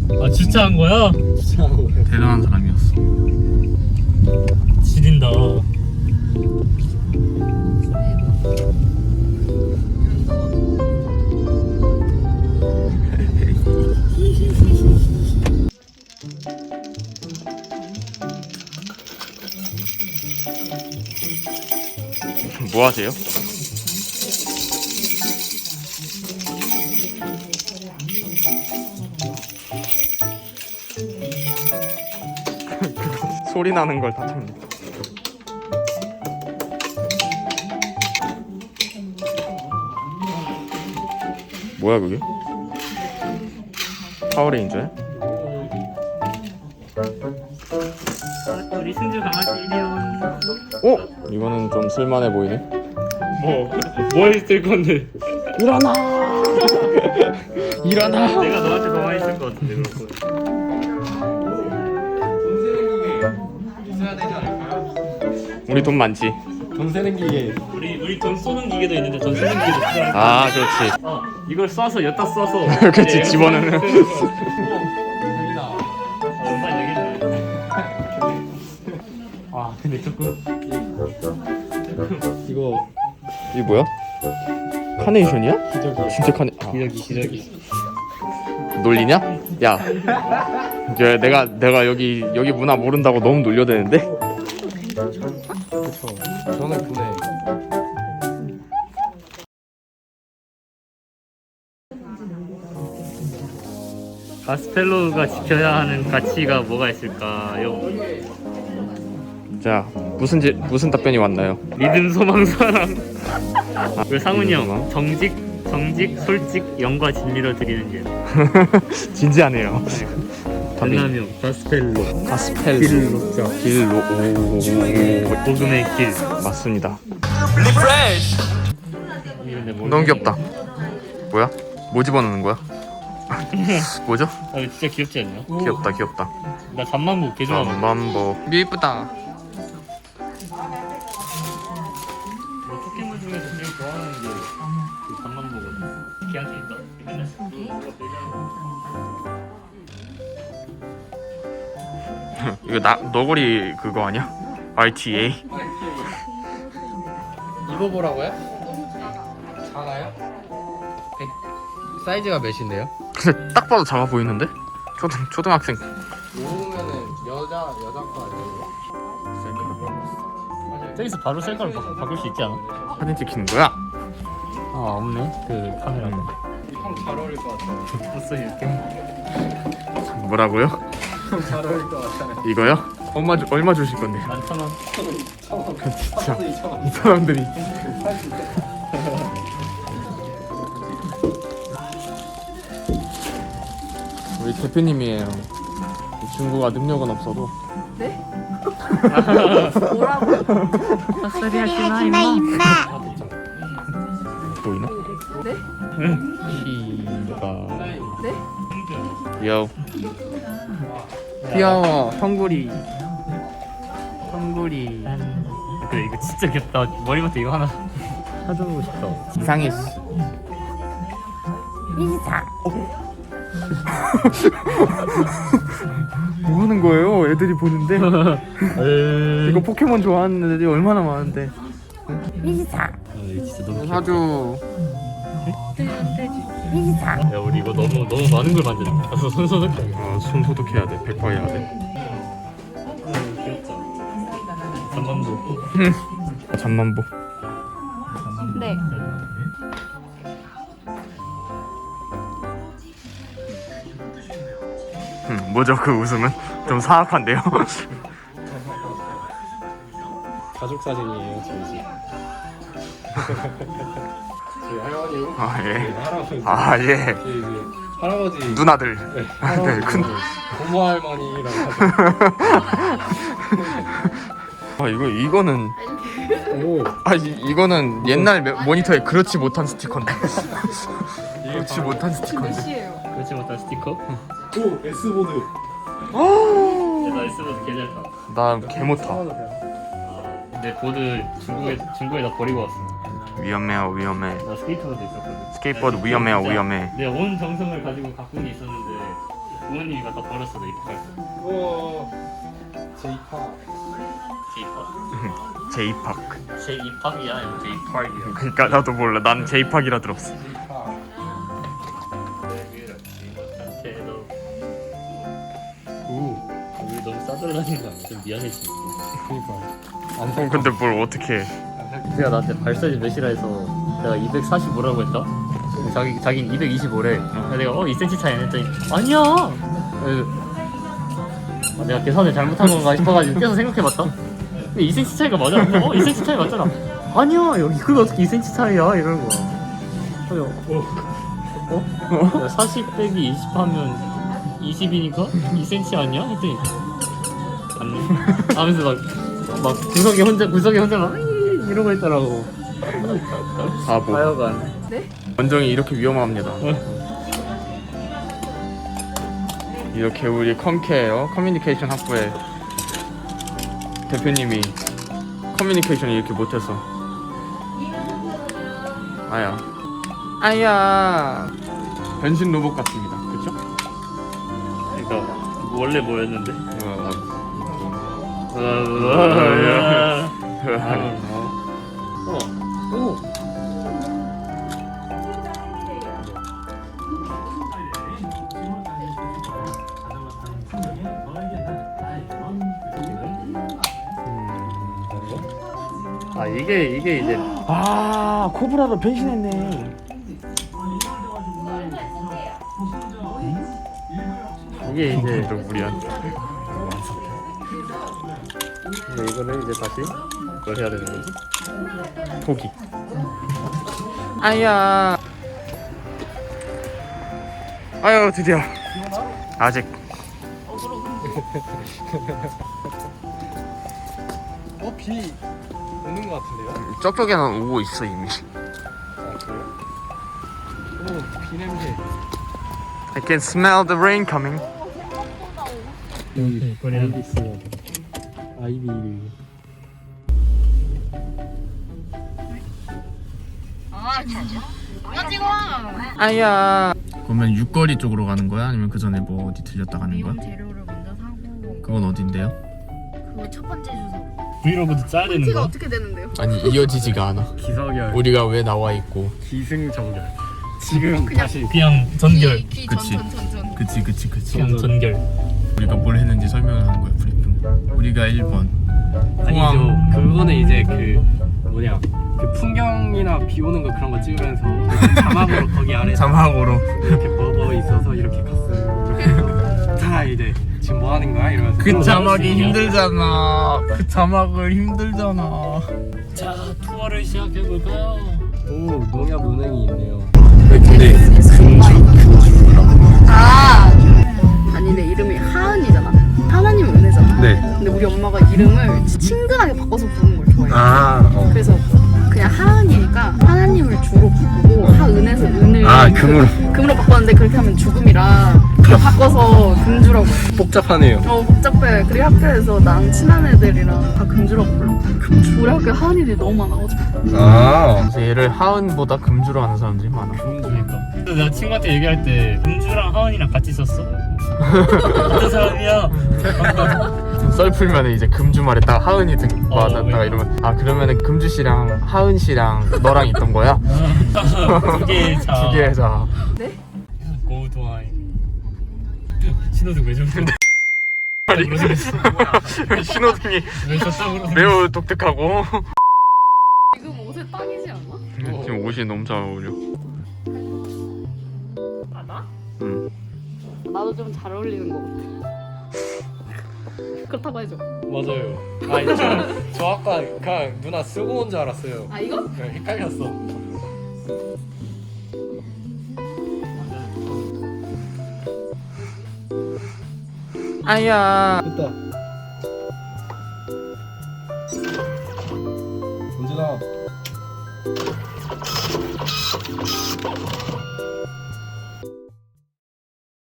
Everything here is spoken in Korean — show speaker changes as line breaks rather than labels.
아 주차한 거야?
대단한 사람이었어.
지린다.
뭐 하세요? 소리 나는 걸 다 참는다. 뭐야 그게? 파워레인저야?
우리 승주 강아지 이리온.
이거는 좀 쓸만해 보이네.
뭐 했을 건데?
일어나! 일어나!
내가 너한테 더 많이 쓸 것 같은데 그럴 거.
우리 돈 많지?
돈 세는 기계.
우리 돈 쏘는 기계도 있는데 돈 쓰는 기계도 필요할 거.
아 그렇지.
이걸 쏴서 여기다 쏴서.
그렇지, 집어넣는.
엄마 얘기했네. 아 근데 조금.
이거
이게 뭐야? 카네이션이야?
기저귀.
진짜
기저귀.
놀리냐? 야, 내가 여기 문화 모른다고 너무 놀려대는데?
그쵸. 저는 근데
가스펠로우가 지켜야 하는 가치가 뭐가 있을까요?
자, 무슨 답변이 왔나요?
믿음, 소망, 사랑. 그리고 상훈이
믿음,
형,
소망?
정직, 솔직, 영과 진리로 드리는 게.
진지하네요.
전남형, 가스펠로,
가스펠
길로,
길로
복음의 길.
맞습니다.
근데 뭐
너무 귀엽다. 뭐야? 뭐 집어넣는 거야? 뭐죠?
아, 이거 진짜 귀엽지 않냐?
귀엽다.
나 잠만보 개 좋아하거든.
잠만보. 예쁘다.
포켓몬 중에서 제일 좋아하는 게그 잠만보거든. 걔한테 있다. 맨날
이거 너구리 그거 아니야? RTA?
입어보라고요? 작아요? 사이즈가 몇인데요?
근데 딱 봐도 작아 보이는데? 초등학생.
모으면은 여자 거 아니에요?
저기서 바로 셀카로 바꿀 수 있지 않아?
사진 찍히는 거야?
아 없네 그 카메라가.
형잘 어울릴 것 같아요.
벌써 이렇게.
뭐라고요?
형잘 어울릴 것 같아요.
이거요? 얼마 주실 건데?
11,000원.
진짜
2,000원.
이 사람들이. 우리 대표님이에요. 이 친구가 능력은 없어도
뭐라고?
헛소리 하지 마 임마.
보이나?
네?
키가
네?
귀여워. 귀여워. 형구리.
그래 이거 진짜 귀엽다. 머리부터 이거 하나 사주고 싶다.
이상했어. 뭐 하는 거예요? 애들이 보는데. 이거 포켓몬 좋아하는 애들이 얼마나 많은데.
이거 진짜 너무 귀엽다.
사주.
야 우리 이거 너무 많은 걸 만드네. 가서 손 소독해.
손 소독해야 돼. 100% 해야 돼.
귀엽다. 잠만보.
잠만보.
네.
뭐죠 그 웃음은? 좀 사악한데요?
가족 사진이에요, 저희 집. 저희 할머니,
아 예.
할아버지.
아 예.
저희 이제 할아버지.
누나들.
네,
네,
할아버지.
큰.
고모 할머니랑 같이.
아 이거는.
오.
이거는 옛날 모니터에 그렇지 못한 스티커인데. 그렇지
바로-
못한 스티커인데.
몇이에요?
그렇지 못한 스티커.
오, S보드.
나 S보드 개 잘 타.
나 개 못 타.
내 보드 중국에다 버리고 왔어.
위험해요.
나 스케이트보드 있었거든.
스케이트보드 위험해요.
내 온 정성을 가지고 가꾼 게 있었는데 부모님이 갖다 버렸어 내 입학할 때.
우와. 제이파.
제이팝.
제이팍.
제 입학이야 아니면 제이팝이야?
그러니까 나도 몰라. 난 제이팍이라 들었어.
오.
우리 너무 싸돌아다니는 거 아니야? 좀 미안해 진짜.
그니까. 안 살.
근데 뭘 어떻게 해?
제가 나한테 발사지 몇이라 해서 내가 245라고 했다? 자긴 225래. 내가 2cm 차이 안 했더니 아니야! 내가 계산을 잘못한 건가 싶어가지고 계속 생각해봤다? 근데 2cm 차이가 맞아? 2cm 차이 맞잖아. 아니야 여기 그거 어떻게 2cm 차이야? 이러는 거야. 그래서 40 빼기 20 하면 20이니까 2cm 아니야? 했더니 맞네 하면서 막 구석에 혼자 막 이러고 있더라고.
바보.
하여간
원정이 이렇게 위험합니다. 이렇게 우리 컴케어 커뮤니케이션 학부의 대표님이 커뮤니케이션을 이렇게 못해서 아야 변신 로봇 같습니다. 그쵸?
그러니까 원래 뭐였는데? 오. 아 이게 이제
아 코브라로 변신했네.
이게 이제
또 우리한테
근데 이거를 이제 다시 뭘 해야 되는 거지?
포기. 아야. 아유 드디어. 아직
비 오는 것 같은데요?
쪽쪽에는 오고 있어 이미.
아 그래요? 오, 비 냄새.
I can smell the rain coming.
여기 아이비스 아이비.
아야. 그러면 육거리 쪽으로 가는 거야? 아니면 그 전에 뭐 어디 들렸다 가는 거야?
미용 재료를 먼저 사고
그건 어딘데요?
그 첫 번째 주소.
브이로그도 짜야 되는
티가
거?
어떻게 되는데요?
아니 이어지지가 않아.
기사결.
우리가 왜 나와 있고?
기승전결. 지금
그냥-
다시.
그냥 전결.
그치.
전전전전.
그치.
그냥 전결.
우리가 뭘 했는지 설명을 하는 거야 브리핑. 우리가 1번
아니죠. 그거는 이제 그 뭐냐 그 풍경이나 비 오는 거 그런 거 찍으면서 자막으로 거기 아래
자막으로
이렇게 뭐뭐 있어서 이렇게 갔어요. 그래서 자 이제 지금 뭐 하는 거야 이러면서
그 자막이 힘들잖아. 그 자막을 힘들잖아.
자 투어를 시작해 볼까요?
오 농협 은행이 있네요.
근데
아 아니 내 이름이 하은이잖아. 하나님 은혜잖아.
네.
근데 우리 엄마가 이름을 친근하게 바꿔서 부르는 걸 좋아해.
아
그래서 그냥 하은이니까 하나님을 주로 바꾸고 하은에서 은을 금으로 바꿨는데 그렇게 하면 죽음이라 바꿔서 금주라고 해.
복잡하네요.
복잡해. 그리고 학교에서 나랑 친한 애들이랑 다 금주라고 불러. 우리 학교에 하은이들이 너무 많아가지고.
아
얘를 하은보다 금주로 하는 사람들이 많아.
그러니까. 내가 친구한테 얘기할 때 금주랑 하은이랑 같이 있었어? 어떤 사람이야?
썰 풀면 이제 금주 말했다가 하은이 맞았다가
그러니까.
이러면 아 그러면은 금주 씨랑 하은 씨랑 너랑 있던 거야?
두개의 자.
두 개의 자.
네?
고도아이. 신호등 왜 저래?
신호등이
왜 저쪽으로?
매우 독특하고
지금 옷에 딱이지 않아?
지금 옷이 너무 잘 어울려.
아 나?
응.
나도 좀 잘 어울리는 거 같아. 그렇다고 해줘.
맞아요. 아 저 아까 그냥 누나 쓰고 온 줄 알았어요.
아 이거?
그냥 헷갈렸어.
아야.
됐다. 전진아.